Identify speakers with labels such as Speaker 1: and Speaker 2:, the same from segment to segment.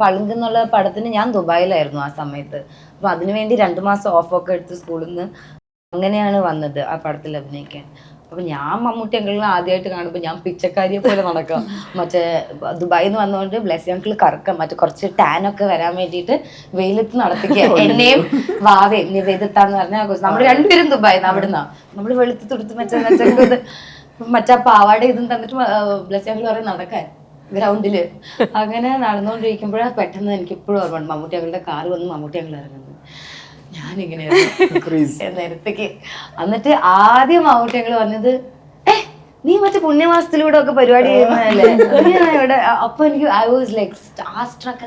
Speaker 1: പളുങ്ക് എന്നുള്ള പടത്തിന് ഞാൻ ദുബായിലായിരുന്നു ആ സമയത്ത്. അപ്പൊ അതിനുവേണ്ടി 2 മാസം ഓഫൊക്കെ എടുത്ത് സ്കൂളിൽ നിന്ന് അങ്ങനെയാണ് വന്നത് ആ പടത്തിൽ അഭിനയിക്കാൻ. അപ്പൊ ഞാൻ മമ്മൂട്ടി അങ്കിളിനെ ആദ്യമായിട്ട് കാണുമ്പോൾ ഞാൻ പിച്ചക്കാരിയെ പോലെ നടക്കാം. മറ്റേ ദുബായിൽ നിന്ന് വന്നുകൊണ്ട് ബ്ലെസ്സി അങ്കിൾ കറക്കാം, മറ്റേ കുറച്ച് ടാനൊക്കെ വരാൻ വേണ്ടിയിട്ട് വെയിലത്ത് നടത്തിക്കുക. എന്നെയും വാവയും നിവേദിത്താന്ന് പറഞ്ഞാൽ നമ്മൾ രണ്ടുപേരും ദുബായിന്ന് അവിടുന്ന് നമ്മൾ വെളുത്ത് തുടുത്ത് മറ്റേ പാവാട ഇതും തന്നിട്ട് ബ്ലെസ്സി അങ്കിൾ പറയും നടക്കാൻ ഗ്രൗണ്ടില്. അങ്ങനെ നടന്നുകൊണ്ടിരിക്കുമ്പോഴാണ് പെട്ടെന്ന് എനിക്ക് ഇപ്പോഴും ഓർമ്മ മമ്മൂട്ടി അങ്കിളുടെ കാറ് വന്ന് മമ്മൂട്ടി അങ്കിൾ ഇറങ്ങുന്നത്. ഞാനിങ്ങനെയായിരുന്നു നേരത്തേക്ക്. എന്നിട്ട് ആദ്യം മമ്മൂട്ടി അങ്കിൾ പറഞ്ഞത് നീ മറ്റേ പുണ്യമാസത്തിലൂടെ ഒക്കെ പരിപാടി ചെയ്യുന്നതല്ലേ ഇവിടെ. അപ്പൊ എനിക്ക് I was like starstruck.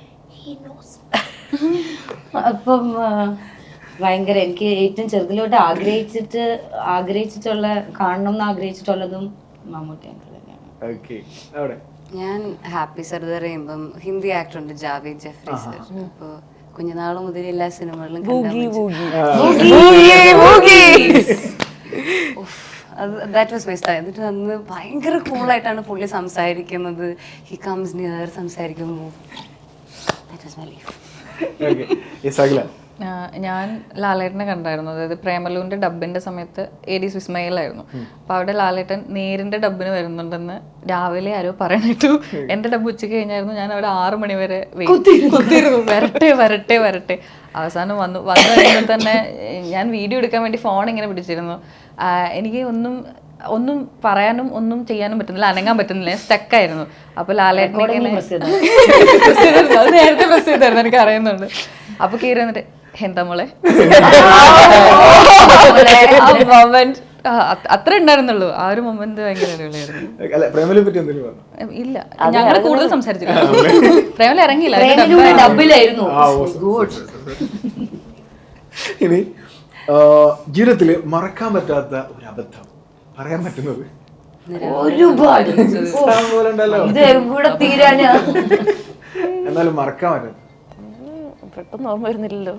Speaker 1: അപ്പം ഭയങ്കര എനിക്ക് ഏറ്റവും ചെറുതിലോട്ട് ആഗ്രഹിച്ചിട്ടുള്ള കാണണം എന്ന് ആഗ്രഹിച്ചിട്ടുള്ളതും മമ്മൂട്ടി അങ്കിൾ തന്നെയാണ്.
Speaker 2: ഞാൻ ഹാപ്പി സർദാർ ചെയ്യുമ്പം ഹിന്ദി ആക്ടർ ഉണ്ട് ജാവേദ് ജഫ്രി സർ. അപ്പൊ കുഞ്ഞുനാള് മുതൽ എല്ലാ സിനിമകളിലും ദാറ്റ് വാസ് മൈ സ്റ്റൈൽ. എന്നിട്ട് അന്ന് ഭയങ്കര കൂളായിട്ടാണ് പുള്ളി സംസാരിക്കുന്നത്. ഹി കംസ് നിയർ സംസാരിക്കുമ്പോൾ ദാറ്റ് വാസ് മൈ ലൈഫ്.
Speaker 3: ഞാൻ ലാലേട്ടനെ കണ്ടായിരുന്നു. അതായത് പ്രേമലുവിന്റെ ഡബിന്റെ സമയത്ത് AD വിസ്മയിലായിരുന്നു. അപ്പൊ അവിടെ ലാലേട്ടൻ നേരിന്റെ ഡബിന് വരുന്നുണ്ടെന്ന് രാവിലെ ആരോ പറയണിട്ടു. എന്റെ ഡബ് ഉച്ചയ്ക്ക് കഴിഞ്ഞായിരുന്നു. ഞാൻ അവിടെ 6 മണി വരെ കുത്തിയിരുന്നു, വരട്ടെ. അവസാനം വന്നു കഴിയുമ്പോൾ തന്നെ ഞാൻ വീഡിയോ എടുക്കാൻ വേണ്ടി ഫോൺ ഇങ്ങനെ പിടിച്ചിരുന്നു. എനിക്ക് ഒന്നും പറയാനും ഒന്നും ചെയ്യാനും പറ്റുന്നില്ല, അനങ്ങാൻ പറ്റുന്നില്ല, സ്റ്റക്കായിരുന്നു. അപ്പൊ ലാലേട്ടനെ നേരത്തെ പ്രസ് ചെയ്തായിരുന്നു, എനിക്ക് അറിയുന്നുണ്ട്. അപ്പൊ കീറി വന്നിട്ട് എന്താ മോളെ മൊമെന്റ് അത്ര ഉണ്ടായിരുന്നുള്ളൂ. ആ ഒരു മൊമെന്റ് ഭയങ്കര അടിപൊളിയായിരുന്നു. ഇല്ല, ഞങ്ങൾ കൂടുതൽ സംസാരിച്ചില്ല. പ്രേമല ഇറങ്ങിയില്ല, ഡബിലായിരുന്നു.
Speaker 4: ഇനി ജീവിതത്തില് മറക്കാൻ പറ്റാത്ത ഒരു അബദ്ധം പറയാൻ പറ്റുന്നത്
Speaker 1: ഒരുപാട്
Speaker 4: എന്നാലും മറക്കാൻ പറ്റും
Speaker 5: പെട്ടെന്ന് ഓർമ്മ വരുന്നില്ലല്ലോ.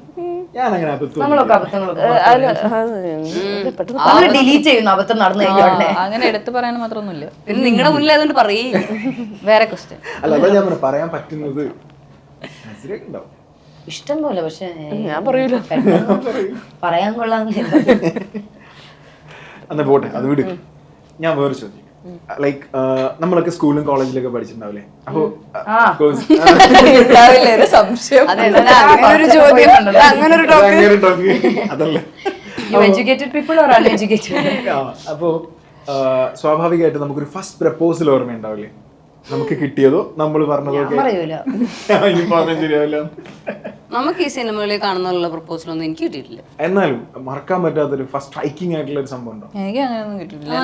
Speaker 3: അങ്ങനെ എടുത്തു പറയാൻ മാത്രമൊന്നുമില്ല.
Speaker 2: പിന്നെ നിങ്ങളുടെ മുന്നിൽ അതുകൊണ്ട് പറയേ.
Speaker 3: വേറെ ക്വസ്റ്റ്യൻ
Speaker 4: അല്ല, അതാ ഞാൻ പറയാൻ പറ്റുന്നത്
Speaker 1: ഇഷ്ടം പോലെ. പക്ഷെ
Speaker 5: ഞാൻ പറയൂല,
Speaker 1: പറയാൻ കൊള്ളാന്ന്.
Speaker 4: എന്നാ പോട്ടെ, അത് വിട്. ഞാൻ വേറെ ചോദ്യം. ലൈക്ക് നമ്മളൊക്കെ സ്കൂളിലും കോളേജിലൊക്കെ പഠിച്ചിട്ടുണ്ടാവില്ലേ? അപ്പൊ
Speaker 3: സംശയം
Speaker 4: അതല്ലേ, അപ്പൊ സ്വാഭാവികമായിട്ട് നമുക്കൊരു ഫസ്റ്റ് പ്രപ്പോസൽ ഓർമ്മ ഉണ്ടാവില്ലേ? നമുക്ക് കിട്ടിയതോ നമ്മൾ പറഞ്ഞതോ ശരിയാവില്ല.
Speaker 2: നമുക്ക് ഈ സിനിമകളിൽ കാണുന്നുള്ള പ്രപ്പോസൽ ഒന്നും എനിക്ക് കിട്ടിയിട്ടില്ല.
Speaker 4: എന്നാലും മറക്കാൻ പറ്റാത്തൊരു ഫസ്റ്റ് സ്ട്രൈക്കിംഗ് ആയിട്ടുള്ള ഒരു സംഭവം ഉണ്ടോ?
Speaker 3: എനിക്ക് അങ്ങനെയൊന്നും കിട്ടിയിട്ടില്ല.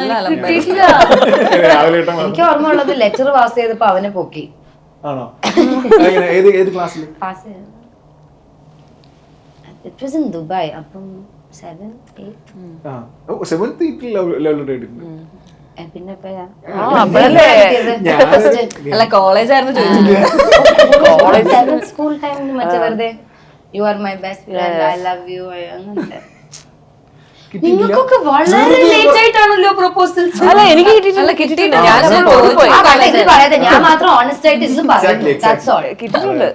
Speaker 1: എനിക്ക് ഓർമ്മ ഉള്ളത് ലെറ്റർ പാസ് ചെയ്തപ്പോ അവനെ പൊക്കി.
Speaker 4: ആണോ? ഏത് ക്ലാസ്സിൽ?
Speaker 1: It was in Dubai. അപ്പം 7th
Speaker 4: 8th
Speaker 1: പിന്നെ
Speaker 3: അല്ല, കോളേജ് ആയിരുന്നു ചോദിച്ചത്.
Speaker 1: സ്കൂൾ ടൈമിൽ മറ്റേ വെറുതെ you are my best friend, I love you അങ്ങനത്തെ. നിങ്ങൾക്കൊക്കെ വളരെ ലേറ്റ് ആയിട്ടാണല്ലോ പ്രപ്പോസൽസ്.
Speaker 5: അല്ല, എനിക്ക് കിട്ടിയിട്ടില്ല.
Speaker 1: ഞാൻ മാത്രം ഓണസ്റ്റ് ആയിട്ട് ഇതും പറഞ്ഞു.
Speaker 5: കിട്ടിയിട്ടുണ്ട്.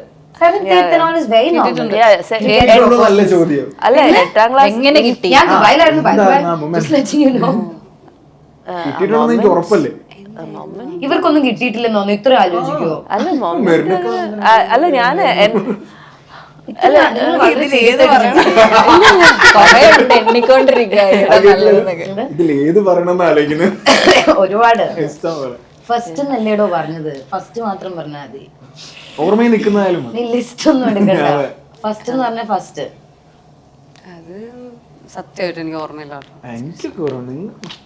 Speaker 1: അല്ല, 8ാം ക്ലാസ് എങ്ങനെ കിട്ടി? ഞാൻ ദുബായിലായിരുന്നു. ഇവർക്കൊന്നും കിട്ടിയിട്ടില്ലെന്ന് തോന്നുന്നു. ഇത്ര ആലോചിക്കുവോ?
Speaker 5: അല്ല ഞാൻ
Speaker 4: ഇതിലേത് പറയണമെന്ന് ആലോചിക്കുന്നത്
Speaker 1: ഒരുപാട്. ഫസ്റ്റ് നല്ലേടോ പറഞ്ഞത്, ഫസ്റ്റ് മാത്രം പറഞ്ഞാൽ മതി.
Speaker 4: ഓർമ്മയിൽ നിൽക്കുന്നതായാലും
Speaker 1: നീ ലിസ്റ്റ് ഒന്നും എടുക്കണ്ട. ഫസ്റ്റ് എന്ന് പറഞ്ഞ ഫസ്റ്റ്.
Speaker 2: അത് സത്യമായിട്ട് എനിക്ക് ഓർമ്മയില്ല.
Speaker 4: എനിക്ക്